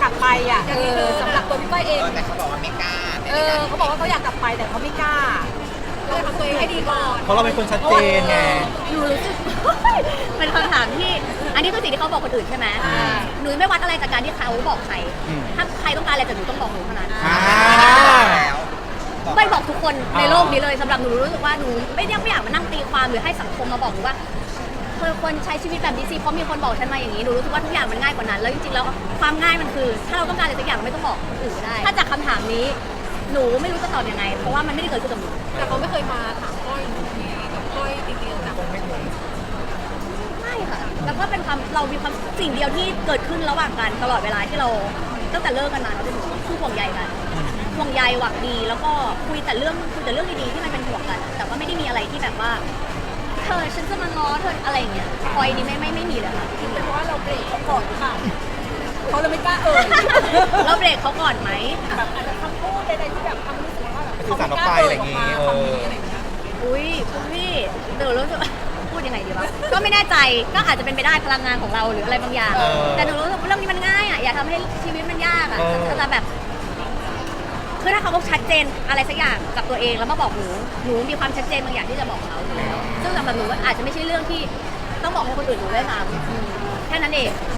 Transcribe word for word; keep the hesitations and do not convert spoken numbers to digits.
กลับไปอ่ะเออสำหรับตัวพี่ก้อยเองเออแต่เขาบอกว่าไม่กล้าเออเขาบอกว่าเขาอยากกลับไปแต่เขาไม่กล้าเราทำตัวเองให้ดีก่อนเพราะเราเป็นคนชัดเจนไงหนูรู้สึก เป็นคำถามที่อันนี้คือสิ่งที่เขาบอกคนอื่นใช่ไหมอ่าหนูไม่วัดอะไรจากการที่เขาบอกใครอืมถ้าใครต้องการอะไรจากหนูต้องบอกหนูเท่านั้นอ่าแล้วไม่บอกทุกคนอ่าในโลกนี้เลยสำหรับหนูรู้สึกว่าหนูไม่ได้ไม่อยากมานั่งตีความหรือให้สังคมมาบอกหนูว่าเธอควรใช้ชีวิตแบบนี้สิเพราะมีคนบอกฉันมาอย่างนี้หนูรู้สึกว่าทุกอย่างมันง่ายกว่านั้นแล้วจริงๆแล้วความง่ายมันคือ ถ้าเราต้องการอะไรสักอย่างเราไม่ต้องบอกคนอื่นก็ได้ ถ้าจากคำถามนี้หนูไม่รู้จะตอบยังไง เพราะว่ามันไม่ได้เกิดขึ้นกับหนูแต่เขาไม่เคยมาถามก้อยกับก้อยจริงๆนะไม่ค่ะแล้วก็เป็นความเรามีความสิ่งเดียวที่เกิดขึ้นระหว่างกันตลอดเวลาที่เราตั้งแต่เลิกกันมาเราเป็นคือห่วงใยกันห่วงใยหวังดีแล้วก็คุยแต่เรื่องคุยแต่เรื่องดีๆที่มันเป็นห่วงกัน แต่ว่าไม่ได้มีอะไรที่แบบว่าเธอฉันจะมาง้อเธออะไรอย่างเงี้ยคอยนี้ไม่ไม่ไม่มีเลยค่ะเป็นเพราะว่าเราเบรกเขาก่อนหรือเปล่าเขาเลยไม่กล้าเอ่ยเราเบรกเขาก่อนไหมแบบอาจจะคำพูดใดๆที่แบบทำให้รู้สึกว่าแบบสื่อสารออกไปอะไรอย่างงี้งี้เอออะไรอย่างเงี้ยอุ้ยคุณพี่เดี๋ยวรู้สึกว่าพูดยังไงดีวะก็ไม่แน่ใจก็อาจจะเป็นไปได้พลังงานของเราหรืออะไรบางอย่างเออแต่หนูรู้สึกว่าเรื่องนี้มันง่ายอ่ะอย่าทำให้ชีวิตมันยากอ่ะเออจะแบบคือถ้าเขาชัดเจนอะไรสักอย่างกับตัวเองแล้วมาบอกหนูหนูมีความชัดเจนบางอย่างที่จะบอกเขาอยู่แล้วซึ่งสำหรับหนูก็อาจจะไม่ใช่เรื่องที่ต้องบอกให้คนอื่นรู้ด้วยซ้ำแค่นั้นเอง